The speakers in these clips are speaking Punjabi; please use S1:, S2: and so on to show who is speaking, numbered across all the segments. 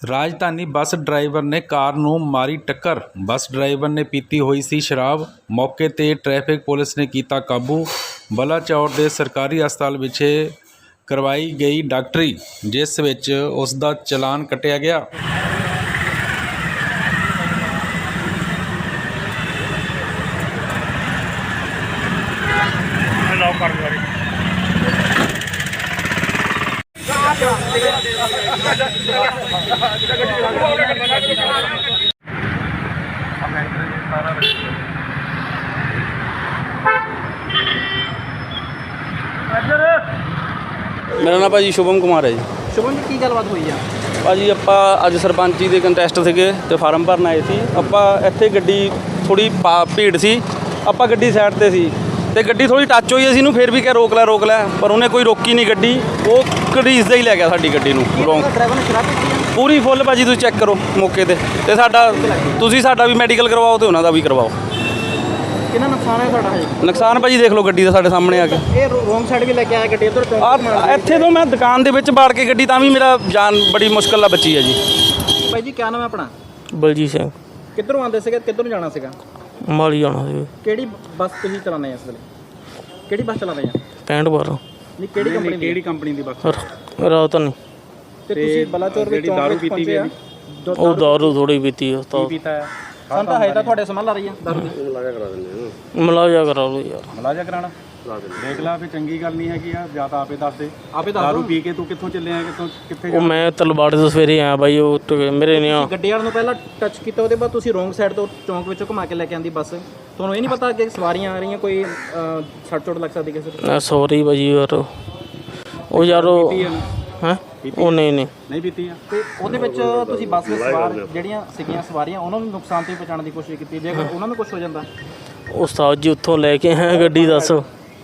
S1: ਰਾਜਧਾਨੀ ਬੱਸ ਡਰਾਈਵਰ ਨੇ ਕਾਰ ਨੂੰ ਮਾਰੀ ਟੱਕਰ। ਬੱਸ ਡਰਾਈਵਰ ਨੇ ਪੀਤੀ ਹੋਈ ਸੀ ਸ਼ਰਾਬ। ਮੌਕੇ 'ਤੇ ਟ੍ਰੈਫਿਕ ਪੁਲਿਸ ਨੇ ਕੀਤਾ ਕਾਬੂ। ਬਲਾਚੌਰ ਦੇ ਸਰਕਾਰੀ ਹਸਪਤਾਲ ਵਿਖੇ ਕਰਵਾਈ ਗਈ ਡਾਕਟਰੀ, ਜਿਸ ਵਿੱਚ ਉਸ ਦਾ ਚਲਾਨ ਕੱਟਿਆ ਗਿਆ।
S2: मेरा नाम भाजी शुभम कुमार है जी।
S3: शुभम जी की गलबात हुई है?
S2: भाजी ਆਪਾਂ ਅੱਜ ਸਰਪੰਚੀ ਦੇ ਕੰਟੈਸਟ ਸੀਗੇ ਤੇ ਫਾਰਮ ਭਰਨ ਆਏ ਸੀ। ਆਪਾਂ ਇੱਥੇ ਗੱਡੀ ਥੋੜੀ ਭੀੜ ਸੀ, ਆਪਾਂ ਗੱਡੀ ਸਾਈਡ ਤੇ ਸੀ ਤੇ ਗੱਡੀ ਥੋੜੀ ਟੱਚ ਹੋਈ, ਅਸੀਂ ਇਹਨੂੰ ਫਿਰ ਵੀ ਕਿਹਾ ਰੋਕ ਲੈ ਪਰ ਉਹਨੇ ਕੋਈ ਰੋਕੀ ਨਹੀਂ ਗੱਡੀ। ਉਹ ਘੜੀਸਦਾ ਹੀ ਲੈ ਗਿਆ ਸਾਡੀ ਗੱਡੀ ਨੂੰ।
S3: ਡਰਾਈਵਰ ਨੇ ਸ਼ਰਾਬ ਪੀਤੀ ਹੈ?
S2: ਪੂਰੀ ਫੁੱਲ ਭਾਜੀ, ਤੁਸੀਂ ਚੈੱਕ ਕਰੋ ਮੌਕੇ ਤੇ ਤੁਸੀਂ ਸਾਡਾ ਵੀ ਮੈਡੀਕਲ ਕਰਵਾਓ ਤੇ ਉਹਨਾਂ ਦਾ ਵੀ ਕਰਵਾਓ।
S3: ਕਿੰਨਾ ਨੁਕਸਾਨ ਹੈ ਤੁਹਾਡਾ? ਹੈ
S2: ਨੁਕਸਾਨ ਭਾਜੀ ਦੇਖ ਲਓ ਗੱਡੀ ਦਾ ਸਾਡੇ ਸਾਹਮਣੇ ਆ ਕੇ।
S3: ਇਹ ਰੋਂਗ ਸਾਈਡ ਵੀ ਲੈ ਕੇ ਆਇਆ ਗੱਡੀ ਇੱਧਰ ਚੌਂਕ
S2: ਇੱਥੇ ਤੋਂ ਮੈਂ ਦੁਕਾਨ ਦੇ ਵਿੱਚ ਬਾੜ ਕੇ ਗੱਡੀ, ਤਾਂ ਵੀ ਮੇਰਾ ਜਾਨ ਬੜੀ ਮੁਸ਼ਕਲ ਨਾਲ ਬਚੀ ਹੈ ਜੀ।
S3: ਭਾਈ ਜੀ ਕੀ ਨਾਮ ਹੈ ਆਪਣਾ?
S4: ਬਲਜੀਤ ਸਿੰਘ।
S3: ਕਿੱਧਰੋਂ ਆਉਂਦੇ ਸੀਗੇ, ਕਿੱਧਰ ਨੂੰ ਜਾਣਾ ਸੀਗਾ?
S4: ਮਾਲੀ ਜਾਣਾ ਸੀ।
S3: ਕਿਹੜੀ ਬੱਸ ਤੁਸੀਂ ਚਲਾਉਂਦੇ ਆ ਇਸ ਵੇਲੇ? ਕਿਹੜੀ ਬੱਸ ਚਲਾ ਰਹੇ ਆ?
S4: 65 12
S3: ਨਹੀਂ ਕਿਹੜੀ ਕੰਪਨੀ ਦੀ ਬੱਸ?
S4: ਰਾਤ ਨਹੀਂ।
S3: ਤੇ ਤੁਸੀਂ ਬਲਾਚੌਰ ਵਿੱਚ ਚੌਂਕ ਵਿੱਚ ਪਹੁੰਚੇ ਆ?
S4: ਉਹ ਦਾਰੂ ਥੋੜੀ ਪੀਤੀ ਆ ਤਾਂ
S3: ਪੀਤਾ ਹੈ ਸੰਤਾ ਹੈ ਤਾਂ ਤੁਹਾਡੇ ਸਮਝ ਆ ਰਹੀ ਹੈ ਦਾਰੂ ਦੀ।
S2: ਮਲਾਜਾ ਕਰਾ ਦਿੰਦੇ
S4: ਮਲਾਜਾ ਕਰਾ ਲਓ ਯਾਰ।
S5: ਮਲਾਜਾ ਕਰਾਣਾ ਦੇਖ ਲਾ ਵੀ ਚੰਗੀ ਗੱਲ ਨਹੀਂ ਹੈਗੀ ਆ। ਜਾਂ ਤਾਂ ਆਪੇ ਦੱਸ ਦੇ,
S3: ਆਪੇ ਦੱਸ
S5: ਦਾਰੂ
S3: ਦਿਓ।
S5: ਪੀ ਕੇ ਤੂੰ ਕਿੱਥੋਂ ਚੱਲਿਆ, ਕਿੱਥੇ
S4: ਉਹ ਮੈਂ ਤਲਵਾੜੇ ਤੋਂ ਸਵੇਰੇ ਆਇਆ ਬਾਈ। ਉਹ ਮੇਰੇ ਨੇ
S3: ਗੱਡੀ ਵਾਲੇ ਨੂੰ ਪਹਿਲਾਂ ਟੱਚ ਕੀਤਾ, ਉਹਦੇ ਬਾਅਦ ਤੁਸੀਂ ਰੋਂਗ ਸਾਈਡ ਤੋਂ ਚੌਂਕ ਵਿੱਚੋਂ ਘੁਮਾ ਕੇ ਲੈ ਕੇ ਆਂਦੀ ਬੱਸ। ਤੁਹਾਨੂੰ ਇਹ ਨਹੀਂ ਪਤਾ ਕਿ ਸਵਾਰੀਆਂ ਆ ਰਹੀਆਂ, ਕੋਈ ਸੱਟ ਚੋਟ ਲੱਗ ਸਕਦੀ ਕਿਸੇ ਨੂੰ?
S4: ਸੌਰੀ ਬਾਈ ਯਾਰ। ਉਹ ਯਾਰ ਉਹ ਹੈਂ ਉਹ ਨਹੀਂ
S5: ਪੀਤੀ ਆ।
S3: ਤੇ ਉਹਦੇ ਵਿੱਚ ਤੁਸੀਂ ਬੱਸ ਵਿੱਚ ਸਵਾਰ ਜਿਹੜੀਆਂ ਸੀਗੀਆਂ ਸਵਾਰੀਆਂ, ਉਹਨਾਂ ਨੂੰ ਨੁਕਸਾਨ ਤੋਂ ਬਚਾਉਣ ਦੀ ਕੋਸ਼ਿਸ਼ ਕੀਤੀ। ਜੇ ਉਹਨਾਂ ਨੂੰ ਕੁਝ ਹੋ ਜਾਂਦਾ?
S4: ਉਸਤਾਦ ਜੀ ਉੱਥੋਂ ਲੈ ਕੇ ਆਇਆ ਗੱਡੀ, ਦੱਸ।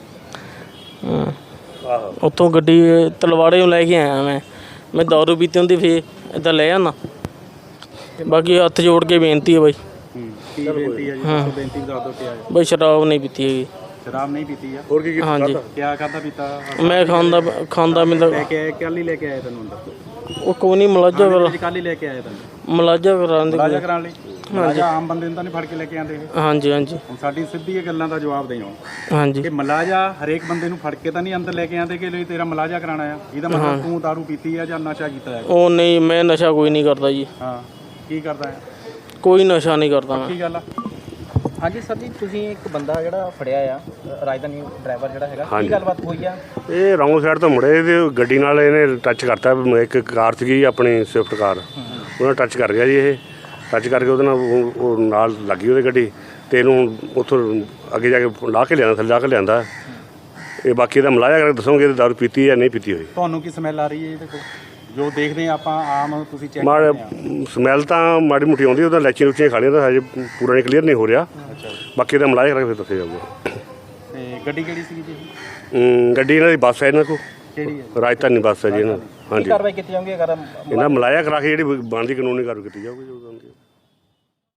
S4: ਉੱਥੋਂ ਗੱਡੀ ਤਲਵਾੜੇ ਨੂੰ ਲੈ ਕੇ ਆਇਆ ਮੈਂ ਦਾਰੂ ਪੀਤੀ ਹੁੰਦੀ ਫੇਰ ਇੱਦਾਂ ਲੈ ਆਉਂਦਾ। ਬਾਕੀ ਹੱਥ ਜੋੜ ਕੇ ਬੇਨਤੀ ਹੈ ਬਾਈ।
S5: ਕੀ ਬੇਨਤੀ ਹੈ ਜੀ? ਦੱਸੋ ਬੇਨਤੀ ਦੱਸ ਦਿਓ ਕੀ ਹੈ।
S4: ਬਾਈ ਸ਼ਰਾਬ ਨਹੀਂ ਪੀਤੀ ਹੈਗੀ।
S5: ਸ਼ਰਾਬ ਨਹੀਂ ਪੀਤੀ ਆ?
S2: ਹੋਰ ਕੀ
S4: ਹਾਂਜੀ
S5: ਕਿਆ ਕਰਦਾ ਪੀਤਾ?
S4: ਮੈਂ ਖਾਂਦਾ ਮੈਂ
S5: ਲੈ ਕੇ ਆਏ, ਕੱਲ ਹੀ ਲੈ ਕੇ ਆਏ ਤੈਨੂੰ ਅੰਦਰ?
S4: ਉਹ ਕੋਈ ਨਹੀਂ ਮਲਾਜਾ
S5: ਕੱਲ ਹੀ ਲੈ ਕੇ ਆਏ ਤੈਨੂੰ
S4: ਮਲਾਜਾ ਕਰਾਉਣ ਦੀ।
S5: ਮਲਾਜਾ ਕਰਾਉਣ ਲਈ? ਮਲਾਜਾ ਆਮ ਬੰਦੇ ਨੂੰ ਤਾਂ ਨਹੀਂ ਫੜ ਕੇ ਲੈ ਕੇ ਆਉਂਦੇ ਇਹ।
S4: ਹਾਂਜੀ
S5: ਹੁਣ ਸਾਡੀ ਸਿੱਧੀ ਇਹ ਗੱਲਾਂ ਦਾ ਜਵਾਬ ਦੇਓ
S4: ਹਾਂਜੀ।
S5: ਕਿ ਮਲਾਜਾ ਹਰੇਕ ਬੰਦੇ ਨੂੰ ਫੜ ਕੇ ਤਾਂ ਨਹੀਂ ਅੰਦਰ ਲੈ ਕੇ ਆਉਂਦੇ ਕਿ ਲਈ ਤੇਰਾ ਮਲਾਜਾ ਕਰਾਉਣਾ ਆ। ਇਹਦਾ ਮਤਲਬ ਤੂੰ ਦਾਰੂ ਪੀਤੀ ਆ ਜਾਂ ਨਸ਼ਾ ਕੀਤਾ ਹੈ?
S4: ਉਹ ਨਹੀਂ, ਮੈਂ ਨਸ਼ਾ ਕੋਈ ਨਹੀਂ ਕਰਦਾ ਜੀ।
S5: ਹਾਂ, ਕੀ ਕਰਦਾ ਹੈ?
S4: ਕੋਈ ਨਸ਼ਾ ਨਹੀਂ ਕਰਦਾ ਮੈਂ।
S5: ਕੀ ਗੱਲ ਆ?
S3: ਹਾਂਜੀ ਸਰ ਜੀ, ਤੁਸੀਂ ਇੱਕ ਬੰਦਾ ਜਿਹੜਾ ਫੜਿਆ ਆ ਰਾਜਧਾਨੀ ਡਰਾਈਵਰ ਜਿਹੜਾ ਹੈਗਾ, ਕੀ ਗੱਲਬਾਤ ਹੋਈ ਆ?
S6: ਇਹ ਰੌਂਗ ਸਾਈਡ ਤੋਂ ਮੁੜੇ ਤੇ ਗੱਡੀ ਨਾਲ ਇਹਨੇ ਟੱਚ ਕਰਤਾ। ਇੱਕ ਕਾਰ ਸੀਗੀ ਆਪਣੀ ਸਵਿਫਟ ਕਾਰ, ਉਹਨਾਂ ਟੱਚ ਕਰ ਗਿਆ ਜੀ। ਇਹ ਟੱਚ ਕਰਕੇ ਉਹਦੇ ਨਾਲ ਉਹ ਨਾਲ ਲੱਗੀ ਉਹਦੀ ਗੱਡੀ ਤੇ ਇਹਨੂੰ ਉੱਥੋਂ ਅੱਗੇ ਜਾ ਕੇ ਲਾ ਕੇ ਲਿਆਂਦਾ, ਥੱਲੇ ਲਾ ਕੇ ਲਿਆਂਦਾ। ਇਹ ਬਾਕੀ ਦਾ ਮਲਾਜਾ ਕਰਕੇ ਦੱਸੋਗੇ ਦਾਰੂ ਪੀਤੀ ਜਾਂ ਨਹੀਂ ਪੀਤੀ ਹੋਈ।
S5: ਤੁਹਾਨੂੰ ਕੀ ਸਮੈਲ ਆ ਰਹੀ ਹੈ ਇਹਦੇ ਕੋਲ ਜੋ ਦੇਖਦੇ ਆ ਆਪਾਂ ਆਮ? ਤੁਸੀਂ ਚੈੱਕ
S6: ਮਾੜਾ ਸਮੈਲ ਤਾਂ ਮਾੜੀ ਮੋਟੀ ਆਉਂਦੀ, ਉਹਦਾ ਲੈਚੀਆਂ ਲੁਚੀਆਂ ਖਾ ਲਈਆਂ ਤਾਂ ਹਜੇ ਪੂਰਾ ਨਹੀਂ ਕਲੀਅਰ ਨਹੀਂ ਹੋ ਰਿਹਾ। ਬਾਕੀ ਦਾ ਮਲਾਜਾ ਕਰਕੇ ਫਿਰ ਦੱਸਿਆ ਜਾਊਗਾ।
S5: ਤੇ ਗੱਡੀ ਕਿਹੜੀ ਸੀਗੀ ਜੀ?
S6: ਗੱਡੀ ਇਹਨਾਂ ਦੀ ਬੱਸ ਹੈ, ਇਹਨਾਂ ਕੋਲ
S5: ਕਿਹੜੀ ਹੈ?
S6: ਰਾਜਧਾਨੀ ਬੱਸ ਹੈ ਜੀ ਇਹਨਾਂ ਦੀ।
S3: ਕੀ
S6: ਹਾਂਜੀ,
S3: ਕਾਰਵਾਈ ਕੀਤੀ ਜਾਊਗੀ ਅਗਰ
S6: ਇਹਨਾਂ ਮਲਾਜਾ ਕਰਾ ਕੇ ਜਿਹੜੀ ਬਣਦੀ ਕਾਨੂੰਨੀ ਕਾਰਵਾਈ ਕੀਤੀ ਜਾਊਗੀ ਜੋ ਬਣਦੀ।